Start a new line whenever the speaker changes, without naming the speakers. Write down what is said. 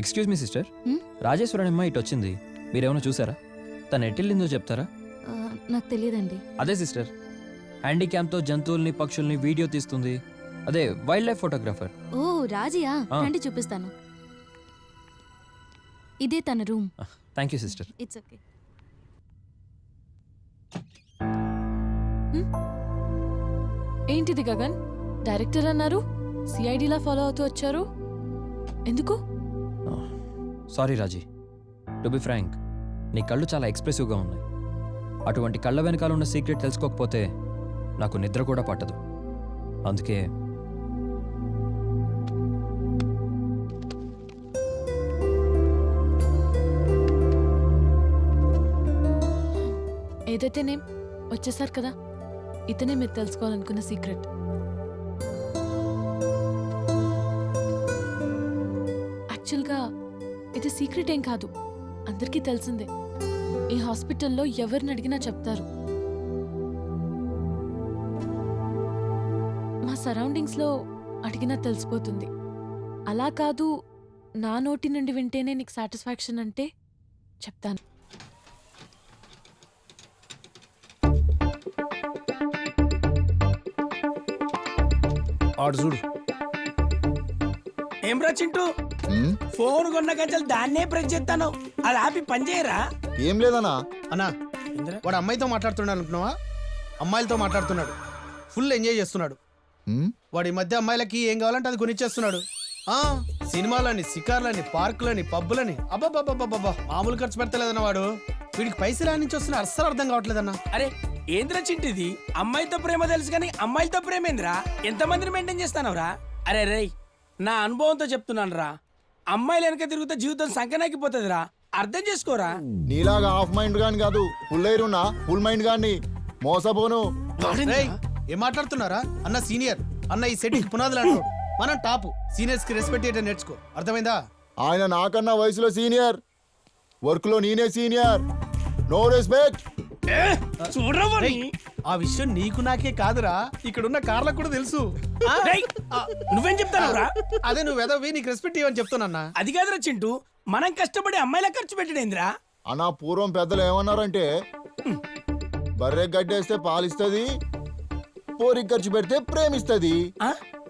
Excuse me sister, రాజేశ్వరన్ అమ్మ ఇటు వచ్చింది, మీరేమైనా చూసారా? తను ఎట్టెళ్ళిందో చెప్తారా?
నాకు తెలియదండి.
అదే సిస్టర్, హ్యాండీక్యామ్తో జంతువుల్ని పక్షుల్ని వీడియో తీస్తుంది, అదే వైల్డ్ లైఫ్ ఫోటోగ్రాఫర్.
ఓ రాజియా, రండి చూపిస్తాను. ఇదే తన room.
Thank you sister.
It's okay.
ఏంటిది గగన్, డైరెక్టర్ అన్నారు, సిఐడిలా ఫాలో అవుతూ వచ్చారు, ఎందుకు?
Sorry Raji, to be frank, నీ కళ్ళు చాలా ఎక్స్ప్రెసివ్గా ఉన్నాయి. అటువంటి కళ్ళ వెనకాల ఉన్న సీక్రెట్ తెలుసుకోకపోతే నాకు నిద్ర కూడా పట్టదు. అందుకే
ఏదైతేనేం వచ్చేసారు కదా, ఇతనే మీరు తెలుసుకోవాలనుకున్న సీక్రెట్. యాక్చువల్గా ఇది సీక్రెట్ ఏం కాదు, అందరికీ తెలిసిందే. ఈ హాస్పిటల్లో ఎవరిని అడిగినా చెప్తారు. మా సరౌండింగ్స్లో అడిగినా తెలిసిపోతుంది. అలా కాదు, నా నోటి నుండి వింటేనే నీకు సాటిస్ఫాక్షన్ అంటే చెప్తాను.
ఆడు చూడు.
ఏం రా చింటూ, ఫోన్ కొన్న గంటలు దాన్నే ప్రెస్ చేస్తాను, అది ఆపి పని చేయరా?
ఏం లేదన్నా.
అన్నా, వాడు అమ్మాయితో మాట్లాడుతున్నాడు అనుకున్నావా? అమ్మాయిలతో మాట్లాడుతున్నాడు, ఫుల్ ఎంజాయ్ చేస్తున్నాడు. వాడి మధ్య అమ్మాయిలకి ఏం కావాలంటే అది కొనిచ్చేస్తున్నాడు. సినిమాలని, షికార్లని, పార్కులని, పబ్బులని, అబ్బాబ్బాబ్బా మామూలు ఖర్చు పెడతలేదన్న వాడు. వీడికి పైసలు నుంచి వస్తున్నా అస్సలు అర్థం కావట్లేదన్నా.
అరే ఏంద్రా చింటిది, అమ్మాయితో ప్రేమ తెలుసు కానీ అమ్మాయిలతో ప్రేమ ఏందిరా? ఎంతమందిని మెయింటైన్ చేస్తానవరా? అరే రేయ్, నా అనుభవంతో చెప్తున్నాను రా, అమ్మాయిలు వెనక తిరుగుతా జీవితం సంకనాకిపోతుందిరా, అర్థం చేసుకోరా.
నీలాగా హాఫ్ మైండ్ గాని కాదు, ఫుల్ ఎయిర్ ఉన్నా ఫుల్ మైండ్ గాని మోసపోను.
ఏం మాట్లాడుతున్నారా? అన్న సీనియర్, అన్న ఈ సెట్ పునాదులు అంటాడు. మనం టాప్, సీనియర్స్ కి రెస్పెక్ట్ చేయడం నేర్చుకో, అర్థమైందా?
ఆయన నాకన్నా వయసులో సీనియర్, వర్క్ లో నేనే సీనియర్. No respect.
ఆ విషయం నీకు నాకే కాదురా, ఇక్కడున్న కార్లకు కూడా తెలుసు.
నువ్వేం చెప్తానవరా?
అదే నువ్వు ఎదవి, నీకు రెస్పెక్ట్ ఇవ్వని చెప్తున్నా.
అది కాదురా చింటూ, మనం కష్టపడి అమ్మాయిల ఖర్చు పెట్టడేంద్రా?
అన్నా పూర్వం పెద్దలు ఏమన్నారంటే, బర్రె గడ్డేస్తే పాలిస్తుంది, పోరికి ఖర్చు పెడితే ప్రేమిస్తుంది.